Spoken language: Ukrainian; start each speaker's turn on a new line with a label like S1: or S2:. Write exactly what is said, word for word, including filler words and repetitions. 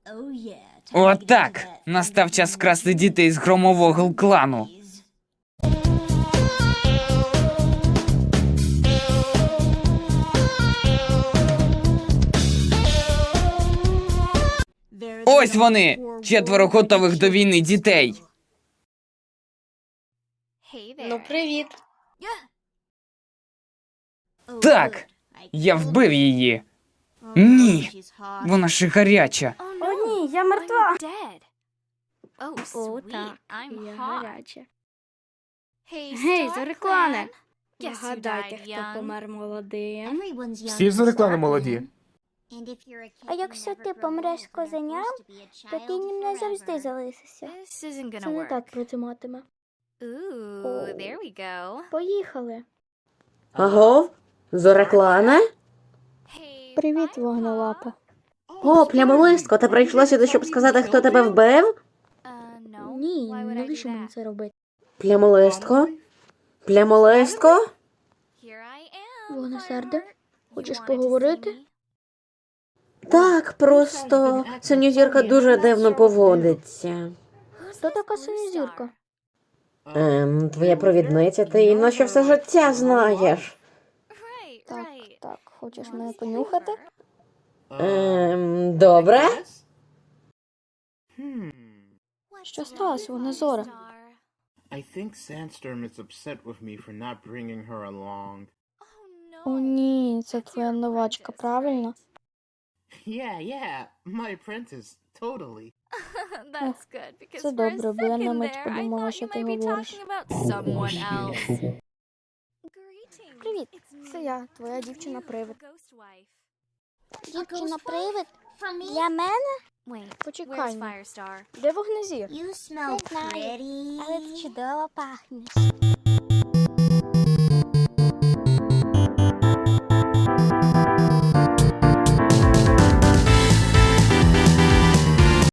S1: Отак! Настав час вкрасти дітей з громового клану. Ось вони! Четверо готових до війни дітей.
S2: Ну, привіт.
S1: Так, я вбив її. Ні, вона ще гаряча.
S2: О, ні, я мертва.
S3: О, так, я гаряча.
S2: Гей, Зореклане. Вгадайте, хто помер молодим.
S4: Всі Зореклани молоді.
S3: А якщо ти помреш з козеням, то ти ним не завжди залишишся. Це не так працюватиме. Поїхали.
S5: Агов? Зореклане?
S3: Привіт, вогнелапе.
S5: О, плямолистко, ти прийшла сюди, щоб сказати, хто тебе вбив?
S3: Ні, навіщо мені це робити?
S5: Плямолистко? Плямолистко?
S3: Вогнесерде, хочеш поговорити?
S5: Так, просто синьозірка дуже дивно поводиться.
S3: Хто така синьозірка?
S5: Ем, твоя провідниця, ти її наче все життя знаєш.
S3: Так, так, хочеш мене понюхати?
S5: Ем, добре?
S3: Що сталося, Вогнезоре?
S6: I think Sandstorm is upset with me for not bringing her along.
S3: О, ні, це твоя новачка, правильно?
S6: Yeah, yeah, my apprentice, totally.
S3: Це добре, бо я на мить подумала, що ти говориш. Привіт, це я, твоя дівчина-привид. Дівчина-привид? Для мене? Почекай, де Вогнезір?
S7: You smell
S3: Не знаю,
S7: pretty.
S3: але ти чудово пахнеш.